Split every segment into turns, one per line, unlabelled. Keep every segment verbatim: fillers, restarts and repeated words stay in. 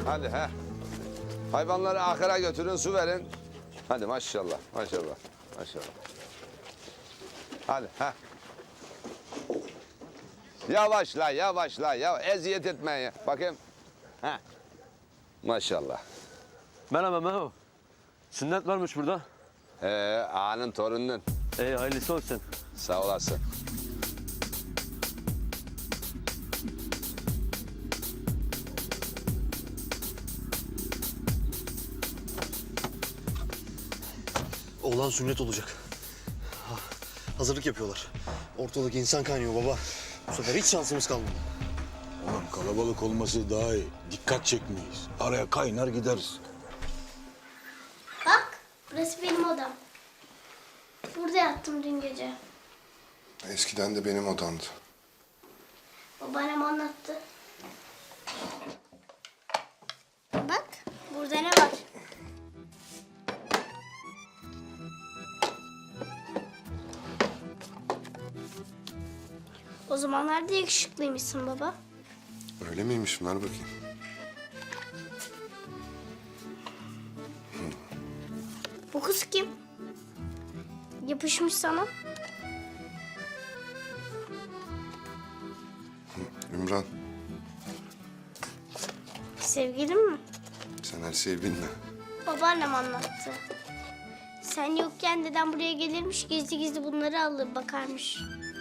Hadi he. Hayvanları ahıra götürün, su verin. Hadi maşallah, maşallah, maşallah. Hadi he. Yavaşla, yavaşla, ya eziyet etmeyin. Bakayım. He. Maşallah.
Merhaba Meho. Sünnet varmış burada.
Ee, ağanın torununun.
Ee, hayırlısı olsun.
Sağ olasın.
Oğlan sünnet olacak. Ha, hazırlık yapıyorlar. Ortalık insan kaynıyor baba. Bu sefer hiç şansımız kalmadı.
Oğlum kalabalık olması daha iyi. Dikkat çekmeyiz. Araya kaynar gideriz.
Bak, burası benim odam. Burada yattım dün gece.
Eskiden de benim odamdı.
Babaannem anlattı. Bak, burada ne var? O zamanlarda yakışıklıymışsın baba.
Öyle miymiş? Ver bakayım.
Bu kız kim? Yapışmış sana.
Ümran,
Sevgilin mi?
sen her şeyi bilme.
Babaannem anlattı. Sen yokken dedem buraya gelirmiş, gizli gizli bunları alır bakarmış.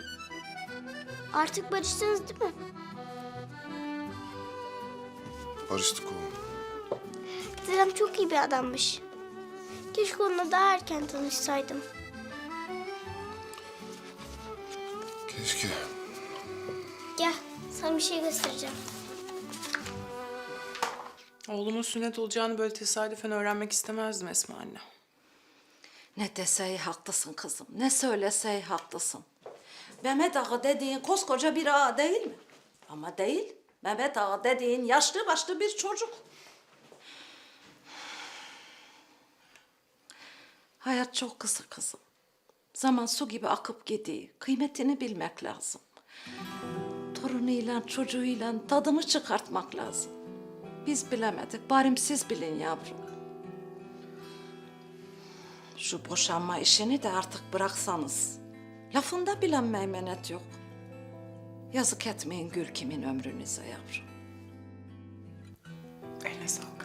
Artık barıştınız değil mi?
Barıştık oğlum.
Dedem çok iyi bir adammış. Keşke onunla daha erken tanışsaydım.
Keşke.
Gel, sana bir şey göstereceğim.
Oğlumun sünnet olacağını böyle tesadüfen öğrenmek istemezdim Esma anne.
Ne desey haklısın kızım, ne söylesey haklısın. Mehmet Ağa dediğin koskoca bir ağa değil mi? Ama değil, Mehmet Ağa dediğin yaşlı başlı bir çocuk. Hayat çok kısa kızım. Zaman su gibi akıp gidiyor, kıymetini bilmek lazım. Torunuyla, çocuğuyla tadını çıkartmak lazım. Biz bilemedik, bari siz bilin yavrum. Şu boşanma işini de artık bıraksanız. Lafında bilen meymenet yok. Yazık etmeyin gül kimin ömrünüze yavrum.
Eline sağlık.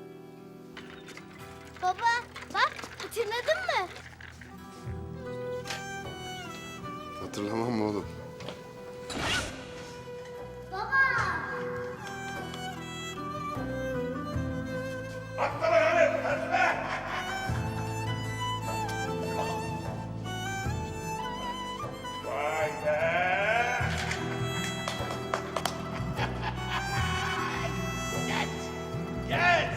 Baba, bak hatırladın mı?
Hatırlamam mı oğlum?
Vay be! Geç! Geç!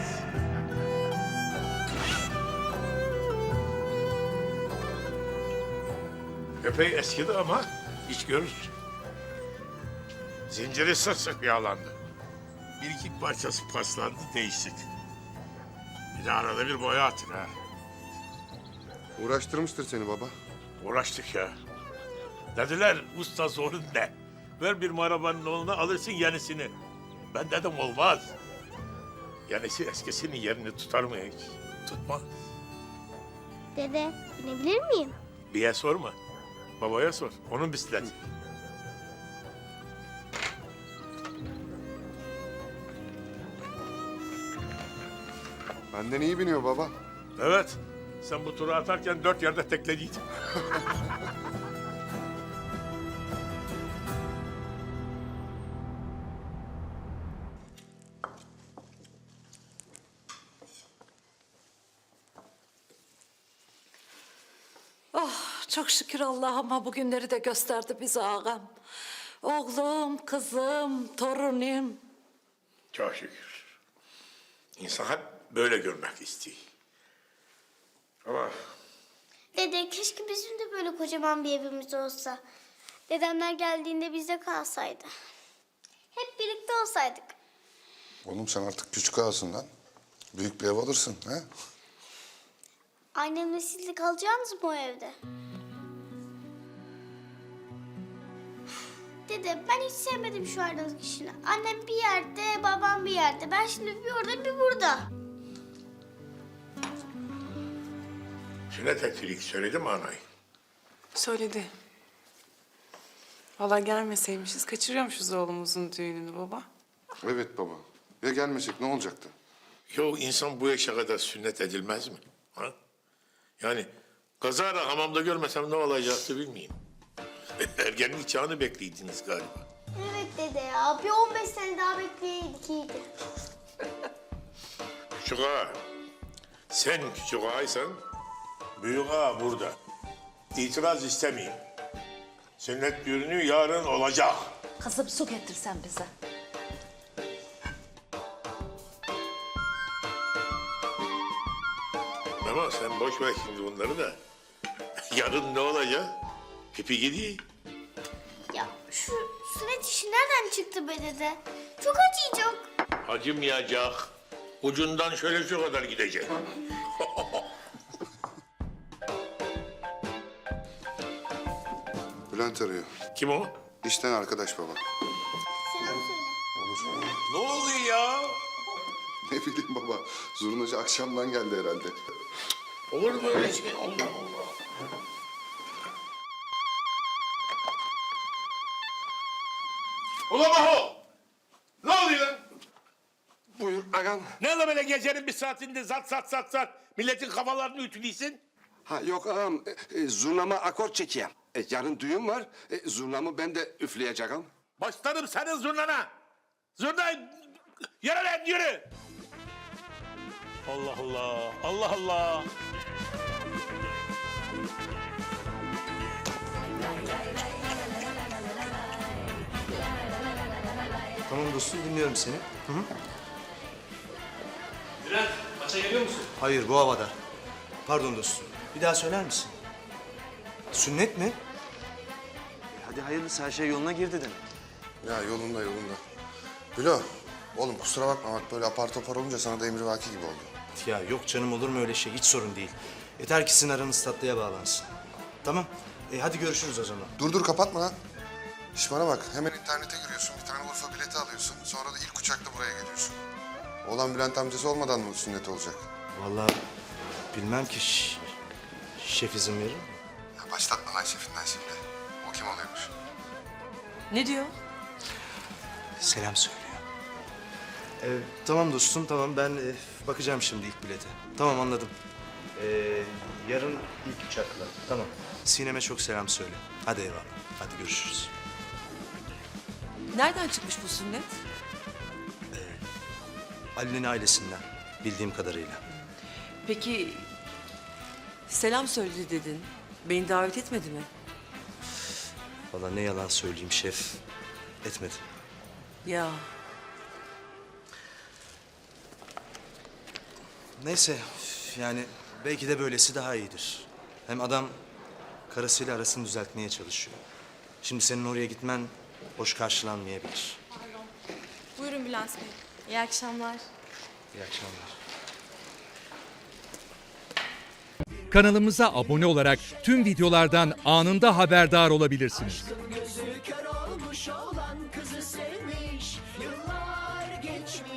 Epey eskidi ama iş görür. Zinciri sık sık yağlandı. Bir iki parçası paslandı, değiştik. Bir de arada bir boya atın ha.
Uğraştırmıştır seni baba.
Uğraştık ya. Dediler usta sorun ne? Ver bir arabanın oğluna alırsın yenisini. Ben dedim olmaz. Yenisi eskisinin yerini tutar mı hiç? Tutmaz.
Dede, binebilir miyim?
Biye sorma. Babaya sor. Onun bisikleti.
Benden iyi biniyor baba.
Evet. Sen bu turu atarken dört yerde teklediydin.
Çok şükür Allah'ıma bugünleri de gösterdi bize ağam. Oğlum, kızım, torunum.
Çok şükür. İnsan hep böyle görmek istiyor. Ama
Dede, keşke bizim de böyle kocaman bir evimiz olsa. Dedemler geldiğinde bizde kalsaydı. Hep birlikte olsaydık.
Oğlum sen artık küçük ağasın lan. Büyük bir ev alırsın ha?
Annemle siz de kalacaksınız mı o evde? Dede, ben hiç sevmedim şu aradığınız kişini. Annem bir yerde, babam bir yerde. Ben şimdi bir orada bir burada.
Sünnet ettirik söyledi mi anayı?
Söyledi. Vallahi gelmeseymişiz kaçırıyormuşuz oğlumuzun düğününü baba.
Evet baba. Ya gelmesek ne olacaktı?
Yo insan bu yaşa kadar sünnet edilmez mi? Ha? Yani kazara hamamda görmesem ne olacaktı bilmeyeyim. Ergenlik çağını bekliydiniz galiba.
Evet dede ya. Bir on beş sene daha bekleyeydik iyiydi.
Küçük ağa, sen küçük ağaysan büyük ağa burada. İtiraz istemeyeyim. Sünnet düğünü yarın olacak.
Kızım su getirsen bize.
Ama sen boş ver şimdi bunları da. Yarın ne olacak? Pipi gidiyor.
Ya şu sünnet işi nereden çıktı be dede? Çok acıyacak.
Acımayacak. Ucundan şöyle şu kadar gidecek.
Bülent arıyor.
Kim o?
İşten arkadaş baba.
Selam söyle.
Ne oluyor ya?
Ne bileyim baba. Zurnacı akşamdan geldi herhalde.
Olur mu öyle şey? Allah Allah. Ulan Maho! Ne oluyor lan?
Buyur ağam.
Ne la böyle gecenin bir saatinde zat zat zat zat milletin kafalarını ütülüyorsun?
Ha yok ağam. E, e, zurnama akor çekeyim. E, yarın düğün var. E, zurnamı ben de üfleyeceğim.
Başlarım senin zurnana. Zurna yürü lan yürü. Allah Allah. Allah Allah.
Tamam dostum dinliyorum seni. Hı hı.
Bülent, maça geliyor musun?
Hayır bu havada. Pardon dostum. Bir daha söyler misin? Sünnet mi? E, hadi hayırlısı her şey yoluna girdi demek.
Ya yolunda yolunda. Bilo, oğlum kusura bakma bak böyle apar topar olunca sana da emrivaki gibi oldu.
Ya yok canım olur mu öyle şey? Hiç sorun değil. Yeter ki sizin aranız tatlıya bağlansın. Tamam. E, hadi görüşürüz o zaman.
Dur dur kapatma lan. İş bana bak hemen internete giriyorsun bir tane Urfa bileti alıyorsun. Sonra da ilk uçakla buraya geliyorsun. Oğlan Bülent amcası olmadan mı sünnet olacak?
Vallahi bilmem ki ş- şef izin verir mi?
Ya başlatma lan şefinden şimdi. O kim oluyormuş?
Ne diyor?
Selam söylüyor. Ee, tamam dostum tamam ben e, bakacağım şimdi ilk bilete. Tamam anladım. Ee, yarın ilk uçakla. Tamam. Sinem'e çok selam söyle. Hadi eyvallah. Hadi görüşürüz.
Nereden çıkmış bu sünnet?
Ali'nin ailesinden bildiğim kadarıyla.
Peki selam söyledi dedin. Beni davet etmedi mi?
Vallahi ne yalan söyleyeyim şef. Etmedi.
Ya
Neyse yani belki de böylesi daha iyidir. Hem adam karısıyla arasını düzeltmeye çalışıyor. Şimdi senin oraya gitmen hoş karşılanmayabilir.
Buyurun Bülent Bey. İyi akşamlar.
İyi akşamlar.
Kanalımıza abone olarak tüm videolardan anında haberdar olabilirsiniz.